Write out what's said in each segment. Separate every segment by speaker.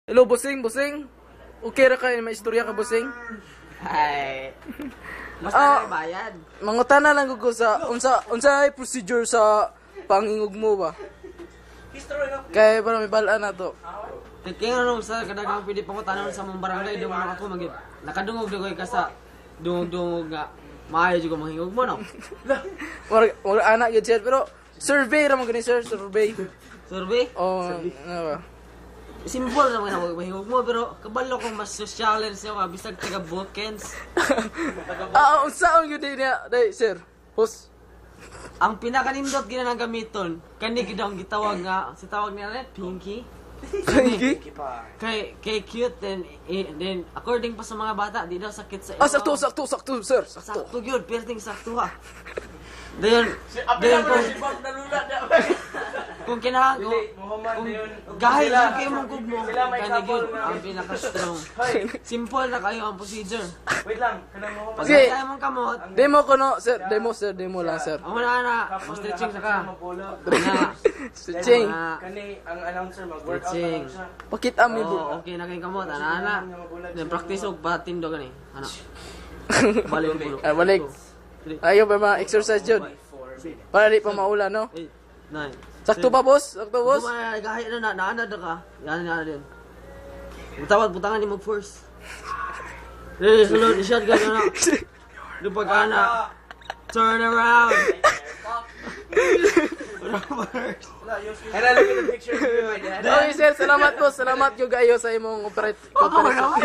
Speaker 1: Hello, bossing, bossing. Okay ra kay may istorya ka, bossing?
Speaker 2: Ay. Basta
Speaker 1: Ah.
Speaker 2: bayad.
Speaker 1: Mangutana lang ko sa unsa ay procedure sa pangingog mo ba? Kay para may balaan na to.
Speaker 2: Kaya ano sa kadagang pwede pangutanon sa mong barangay dungog ako magid. Nakadungog dagoy ka sa dungog nga maayo jud ko manghingog mo no.
Speaker 1: Wala anak yun sir, pero survey ra man gani sir, survey.
Speaker 2: Survey.
Speaker 1: Oh, ano ba?
Speaker 2: Simple naman na mahingog mo pero kabalo kong mas social siya ka bisag taga Balkans.
Speaker 1: Unsaon yun din niya, day sir? Host.
Speaker 2: Ang pinakanindot gina nang gamiton kani gid ang gitawag nga si tawag nila Pinky.
Speaker 1: Pinky?
Speaker 2: Kay cute then according pa sa mga bata di daw sakit sa
Speaker 1: Sakto, sir. Sakto.
Speaker 2: Sakto gyud, perting sakto ha. Dayon kung kinahang kung gahil yung kayo mong gugmo kani gyud ang pinaka-strong. Simple na kayo ang procedure.
Speaker 3: Wait lang, kanang mo
Speaker 2: Pag
Speaker 1: Sige.
Speaker 2: kaya mong kamot,
Speaker 1: Demo ko no, sir. Demo lang, sir.
Speaker 2: ang una na, stretching sa ka.
Speaker 3: mapulo.
Speaker 2: Na,
Speaker 1: Stretching.
Speaker 3: Kani ang announcer mag-workout
Speaker 2: Stretching.
Speaker 3: na siya.
Speaker 1: Pakita mi bro.
Speaker 2: Oh, okay na kayong kamot, ana. Then practice og batindo gani. Ana. Balik ulo.
Speaker 1: Balik. Ayaw ba ma-exercise yun? Para di pa maula, no?
Speaker 2: 8, 9.
Speaker 1: Sakto ba, boss? Sakto, boss?
Speaker 2: Kahit na naanad ka. Yan din. Butawad butangan ni mo first. Sulod i-shot ka na. Lupag ka na. Turn around.
Speaker 3: And I look at the picture of my dad.
Speaker 1: Okay, sir. Salamat, boss. Salamat yung gayo sa imong operation.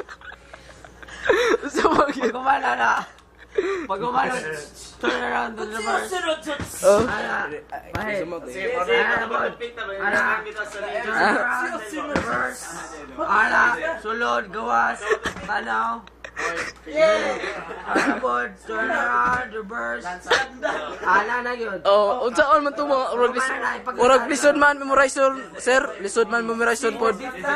Speaker 1: Sa
Speaker 2: Pag umala na. Pag umala, turn around to the reverse. Ana. Bahit. Ana. Turn around. Reverse. Ana. Sulod. Gawas. Tanaw. Ana bod. Turn around. Reverse. Ana na yun.
Speaker 1: Oh, unsaon man to mga urag lisod man memorization, sir. Lisod man memorization pod.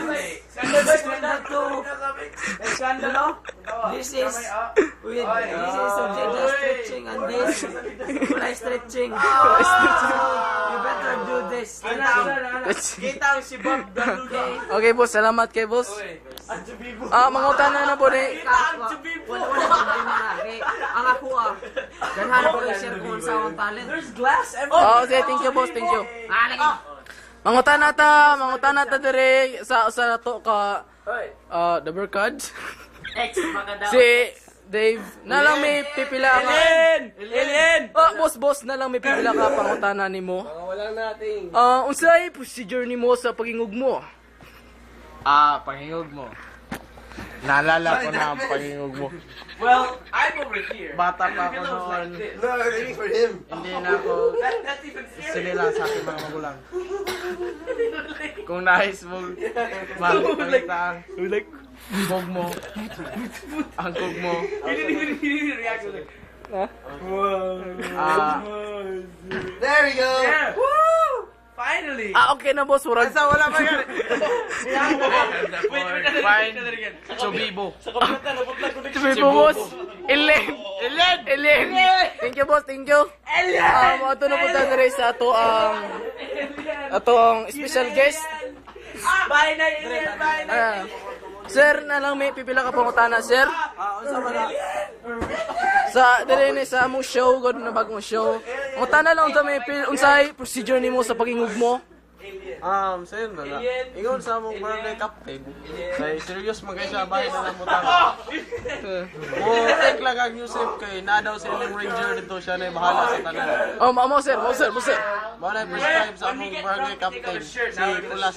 Speaker 2: This is subject stretching and this kulay stretching. You better do this.
Speaker 3: Kita ang si Bob Daluda.
Speaker 1: Okay, boss. Salamat kay boss. Mangutana na po ni.
Speaker 2: Wala problema na. Ang ako ganhan ko i-share kung sa akong talent.
Speaker 3: There's glass everywhere.
Speaker 1: Oh, okay, thank you, boss. Thank you. Mangutana ta dire sa to ka the Berkad. Si Dave, na lang may pipila ka.
Speaker 3: Alien!
Speaker 1: Boss, na lang may pipila ka pangutana nimo.
Speaker 3: Wala nating.
Speaker 1: Unsay procedure nimo sa pagingog mo?
Speaker 4: Pangingog mo. Naalala ko na ang pangingog mo.
Speaker 3: Well, I'm over here.
Speaker 4: Bata pa ako noon.
Speaker 3: No, I'm aiming for him.
Speaker 4: Hindi na ako
Speaker 3: That's even scary.
Speaker 4: sinila sa aking mga magulang. Kung nais mo, makikita ang bog mo, ang kog mo.
Speaker 3: He didn't even react with it.
Speaker 4: There we go!
Speaker 3: Yeah. Woo! Finally!
Speaker 1: Okay na, boss. Murag.
Speaker 4: Wala pa yan!
Speaker 3: Wait,
Speaker 4: Chobibo.
Speaker 1: Sabi po, boss. Elen. Thank you, boss. Thank you. Mga ito na po tayo rin sa ato ang special guest.
Speaker 3: Bye na, Alien! Bye na!
Speaker 1: Sir, na lang may pipila ka pangutana, sir. Sa dili ni sa mo show, god na bagong show. Pangutana lang unta may unsay procedure nimo sa pagingog mo.
Speaker 4: Sa'yo na. Ingon sa mong barangay captain. Kay serious man kayo sa bahay na namutan. Take lang ang Yusef kay na daw sa ilang ranger dito siya na bahala sa tanan.
Speaker 1: Mo sir.
Speaker 4: Mo na prescribe sa among barangay captain si Kulas.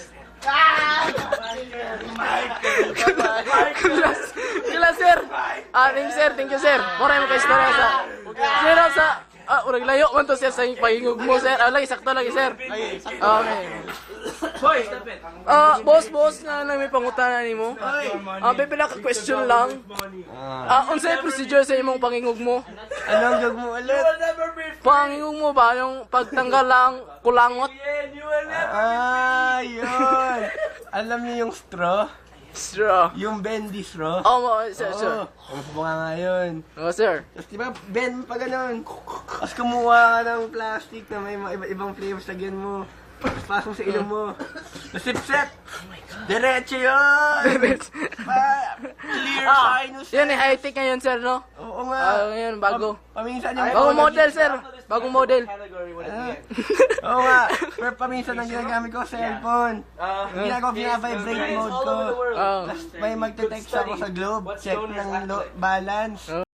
Speaker 1: Kila sir. Thank you sir. Moray mo kay istorya sa. Sir sa urag layo man to sir sa pagingog mo sir. Lagi sakto lagi sir. Okay.
Speaker 3: Boy, stop it.
Speaker 1: Boss na lang may pangutana nimo. Pipila ka question lang. Unsay procedure sa imong pangingog mo?
Speaker 4: Anong gag mo ulit?
Speaker 3: You'll never be free.
Speaker 1: Pangingog mo ba yung pagtanggal lang kulangot?
Speaker 3: You will never
Speaker 4: Yun! Alam niyo yung straw?
Speaker 1: Straw.
Speaker 4: Yung bendy straw?
Speaker 1: Sir.
Speaker 4: Ang bunga nga yun.
Speaker 1: Sir.
Speaker 4: Tapos diba, bend pa ganun. Tapos kumuha ka ng plastic na may mga iba't ibang flavors, lagyan mo. Tapos
Speaker 3: pasok sa ilong mo. Nasipsip. Diretso yun. Clear sinus.
Speaker 1: Yan eh, high-tech ngayon, sir, no?
Speaker 3: Oo nga.
Speaker 1: Ngayon, bago.
Speaker 3: Paminsan yung...
Speaker 1: Bagong model, sir. Bagong model.
Speaker 3: Oo nga. Pero paminsan ang ginagamit ko cellphone. Ginagawa ko pina-vibrate mode ko.
Speaker 1: Oh.
Speaker 3: Tapos may magte-text ako sa Globe. Check ng balance.